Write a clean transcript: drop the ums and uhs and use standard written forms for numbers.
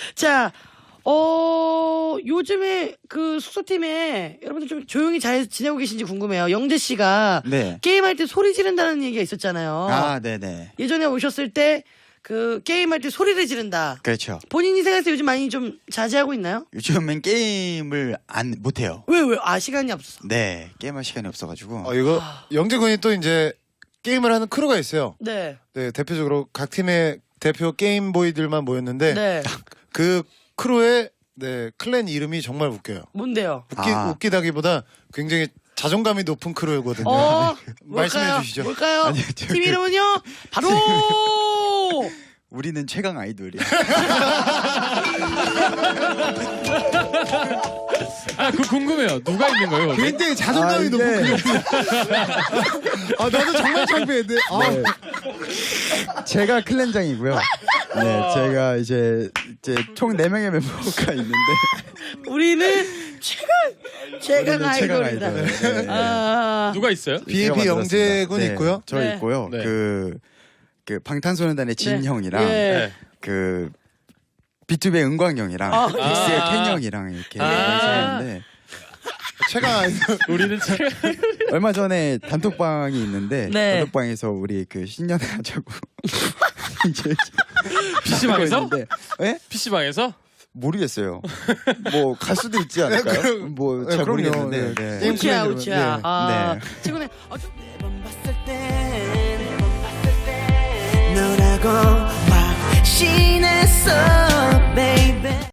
자, 요즘에 그 숙소팀에 여러분들 좀 조용히 잘 지내고 계신지 궁금해요. 영재 씨가 네. 게임할 때 소리 지른다는 얘기가 있었잖아요. 아, 네네. 예전에 오셨을 때 그 게임할 때 소리를 지른다. 그렇죠. 본인이 생각할 때 요즘 많이 좀 자제하고 있나요? 요즘엔 게임을 못해요. 왜? 시간이 없어서. 네. 게임할 시간이 없어가지고. 이거 영재군이 또 이제 게임을 하는 크루가 있어요. 네. 네, 대표적으로 각 팀의 대표 게임보이들만 모였는데 네. 그 크루의 네, 클랜 이름이 정말 웃겨요. 뭔데요? 웃기다기보다 굉장히 자존감이 높은 크루거든요. 말씀해 주시죠. 뭘까요? 아니요, 팀 이름은요? 바로 우리는 최강 아이돌이야. 그 궁금해요. 누가 있는 거예요? 거기? 굉장히 자존감이 높은 크루. 나도 정말 창피했는데. 제가 클랜장이고요. 네, 제가 이제 총 4명의 멤버가 있는데 우리는 최강 아이돌이다. 아이돌. 네. 아, 누가 있어요? BNP 영재군 네, 있고요. 저 네. 있고요. 네. 그 방탄소년단의 진 네. 형이랑 예. 그 B2B의 은광 형이랑 아. 엑스의 켄 형이랑 이렇게 있었는데 최강 아이돌. 우리는 최강. 얼마 전에 단톡방이 있는데 네. 단톡방에서 우리 그 신년회 하자고 이제 PC방에서? 있는데, 예? PC방에서? 모르겠어요. 뭐 갈 수도 있지 않을까요? 그럼- 뭐 네, 잘 그럼요. 모르겠는데. 네. 네. 게임 우치야 클랜 우치야. 이름은, 아, 네. 최근에 매번 봤을 때 너라고 확신했어 baby